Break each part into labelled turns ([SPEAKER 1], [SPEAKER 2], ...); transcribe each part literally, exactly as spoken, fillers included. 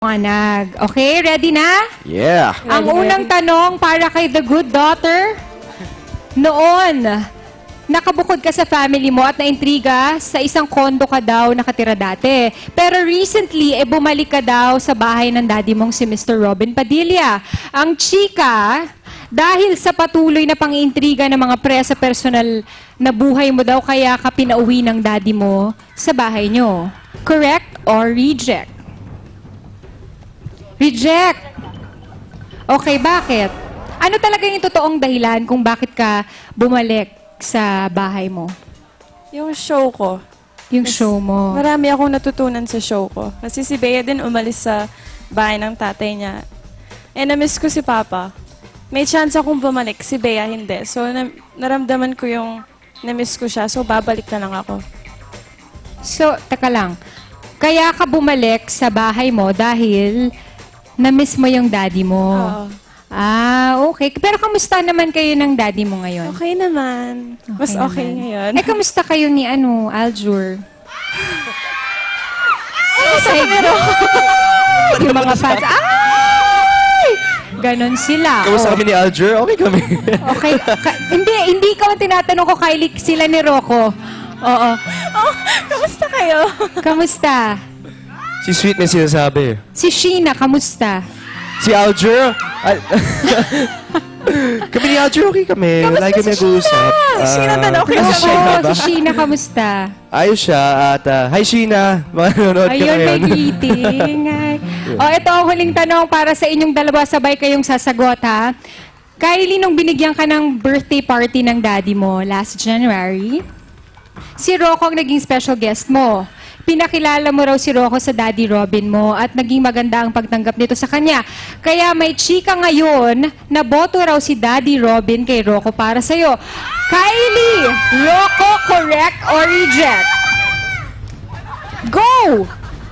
[SPEAKER 1] Manag. Okay, ready na?
[SPEAKER 2] Yeah.
[SPEAKER 1] Ang unang tanong para kay The Good Daughter. Noon, nakabukod ka sa family mo at naintriga sa isang kondo ka daw nakatira dati. Pero recently, eh, bumalik ka daw sa bahay ng daddy mong si Mister Robin Padilla. Ang chika, dahil sa patuloy na pang-intriga ng mga pre sa personal na buhay mo daw, kaya ka pinauwi ng daddy mo sa bahay nyo. Correct or reject? Reject. Okay, bakit? Ano talaga yung totoong dahilan kung bakit ka bumalik sa bahay mo?
[SPEAKER 3] Yung show ko.
[SPEAKER 1] Yung show mo.
[SPEAKER 3] Marami akong natutunan sa show ko. Kasi si Bea din umalis sa bahay ng tatay niya. Eh, na-miss ko si Papa. May chance akong bumalik, si Bea hindi. So, na- naramdaman ko yung na-miss ko siya. So, babalik na lang ako.
[SPEAKER 1] So, taka lang. Kaya ka bumalik sa bahay mo dahil na-miss mo yung daddy mo.
[SPEAKER 3] Oo.
[SPEAKER 1] Ah, okay. Pero kamusta naman kayo ng daddy mo ngayon?
[SPEAKER 3] Okay naman. Mas okay
[SPEAKER 1] naman.
[SPEAKER 3] ngayon.
[SPEAKER 1] Eh, kamusta kayo ni ano, Aljur? Ay, yung mga fans. Ay! Ganon sila.
[SPEAKER 2] Kamusta
[SPEAKER 1] Oh.
[SPEAKER 2] kami ni Alger? Okay kami.
[SPEAKER 1] Okay. Ka- hindi, hindi ikaw ang tinatanong ko, Kylie, sila ni Rocco. Oo.
[SPEAKER 3] Oh, kamusta kayo?
[SPEAKER 1] Kamusta?
[SPEAKER 2] Si Sweet may sinasabi.
[SPEAKER 1] Si Sheena, kamusta?
[SPEAKER 2] Si Alger? Al- kami ni Alger, okay kami.
[SPEAKER 1] Kamusta
[SPEAKER 2] Lagi kami
[SPEAKER 1] si
[SPEAKER 2] nag-uusap.
[SPEAKER 3] Si Sheena
[SPEAKER 2] Ah,
[SPEAKER 3] din, okay
[SPEAKER 2] si
[SPEAKER 3] siya.
[SPEAKER 2] Sheena
[SPEAKER 1] Oo,
[SPEAKER 2] ba?
[SPEAKER 1] si Sheena, kamusta?
[SPEAKER 2] Ayos siya. At, ah, hi Sheena. Manonood ka
[SPEAKER 1] Ayun, may
[SPEAKER 2] ngayon.
[SPEAKER 1] greeting. Ay. O, ito ang huling tanong para sa inyong dalawa. Sabay kayong sasagot, ha? Kylie, nung binigyan ka ng birthday party ng daddy mo last January, si Rocco ang naging special guest mo. Pinakilala mo raw si Rocco sa Daddy Robin mo at naging maganda ang pagtanggap nito sa kanya. Kaya may chika ngayon na boto raw si Daddy Robin kay Rocco para sa'yo. Kylie, Rocco, correct or reject? Go!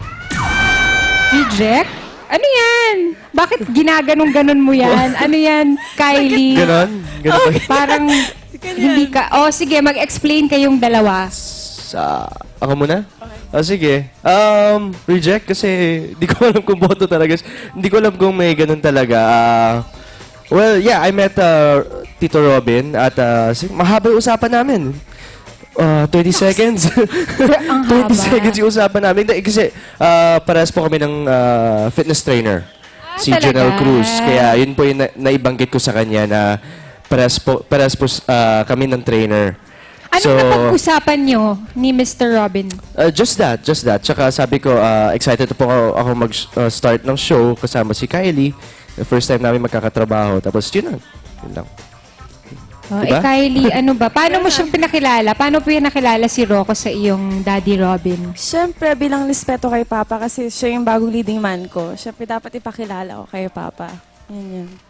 [SPEAKER 1] Reject? Ano yan? Bakit ginaganong-ganon mo yan? Ano yan, Kylie?
[SPEAKER 2] Ganon? Ganon ba?
[SPEAKER 1] Parang hindi ka... Oh, sige, mag-explain kayong dalawa.
[SPEAKER 2] Sa... Ako muna? Oh, sige. Um, reject kasi di ko alam kung boto talaga. Hindi ko alam kung may ganun talaga. Ah, well, yeah, I met uh, Tito Robin at uh, si- mahaba yung usapan namin. Uh, thirty seconds.
[SPEAKER 1] Ang
[SPEAKER 2] thirty
[SPEAKER 1] haba.
[SPEAKER 2] seconds yung usapan namin. Hindi, kasi uh, parehas po kami ng uh, fitness trainer. Si
[SPEAKER 1] talaga?
[SPEAKER 2] Janelle Cruz. Kaya yun po yung na- naibanggit ko sa kanya na parehas po, parehas po uh, kami ng trainer.
[SPEAKER 1] Anong
[SPEAKER 2] So-
[SPEAKER 1] napag-usapan nyo ni Mister Robin?
[SPEAKER 2] Uh, just that, just that. Tsaka sabi ko, uh, excited po ako, ako mag-start ng show kasama si Kylie. The first time namin magkakatrabaho. Tapos yun lang. Yun lang.
[SPEAKER 1] Oh,
[SPEAKER 2] Diba?
[SPEAKER 1] Eh, Kylie, ano ba? Paano mo siyang pinakilala? Paano po pinakilala si Rocco sa iyong Daddy Robin?
[SPEAKER 3] Siyempre, bilang respeto kay Papa kasi siya yung bagong leading man ko. Siyempre, dapat ipakilala ko kay Papa. Yan yun.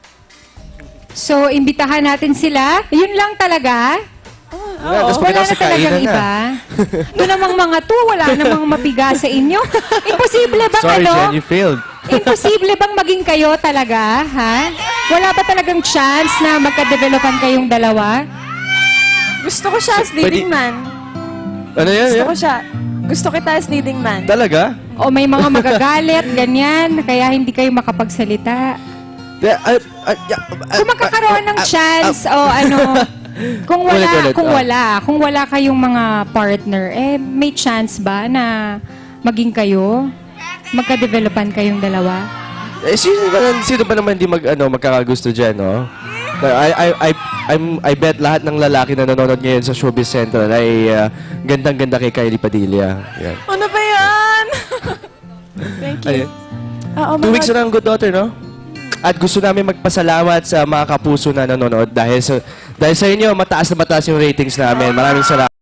[SPEAKER 1] So, imbitahan natin sila. Yun lang talaga?
[SPEAKER 2] Yeah, tapos
[SPEAKER 1] Wala
[SPEAKER 2] pagkatapos
[SPEAKER 1] na
[SPEAKER 2] sa
[SPEAKER 1] talagang
[SPEAKER 2] kainan na.
[SPEAKER 1] iba? Ito namang mga to, wala namang mapiga sa inyo. Imposible bang
[SPEAKER 2] Sorry,
[SPEAKER 1] ano?
[SPEAKER 2] Jen, you failed.
[SPEAKER 1] Imposible bang maging kayo talaga, ha? Wala ba talagang chance na magka-developan kayong dalawa?
[SPEAKER 3] Gusto ko siya as leading
[SPEAKER 2] Pwede-
[SPEAKER 3] man.
[SPEAKER 2] Ano yan?
[SPEAKER 3] Gusto
[SPEAKER 2] yan?
[SPEAKER 3] ko siya. Gusto kita as leading man.
[SPEAKER 2] Talaga?
[SPEAKER 1] O may mga magagalit, ganyan, kaya hindi kayo makapagsalita.
[SPEAKER 2] Yeah, uh, uh, yeah, uh,
[SPEAKER 1] Kung magkakaroon ng
[SPEAKER 2] uh, uh,
[SPEAKER 1] chance o ano, kung wala,
[SPEAKER 2] Ulit, ulit,
[SPEAKER 1] kung
[SPEAKER 2] ah.
[SPEAKER 1] wala, kung wala kayong mga partner, eh may chance ba na maging kayo? Magka-developan kayong dalawa?
[SPEAKER 2] Eh, sino ba, sino ba naman di mag, ano, magkakagusto dyan, no? I, I, I, I'm, I bet lahat ng lalaki na nanonood ngayon sa Showbiz Central ay uh, gandang-ganda kay Kylie Padilla. Yan.
[SPEAKER 3] Ano ba yan? Thank you.
[SPEAKER 2] Ayun.
[SPEAKER 3] Oo,
[SPEAKER 2] Two
[SPEAKER 3] mga-
[SPEAKER 2] weeks na ng Good Daughter, no? At gusto namin magpasalamat sa mga kapuso na nanonood dahil sa dahil sa inyo, mataas na mataas yung ratings namin. Maraming salamat.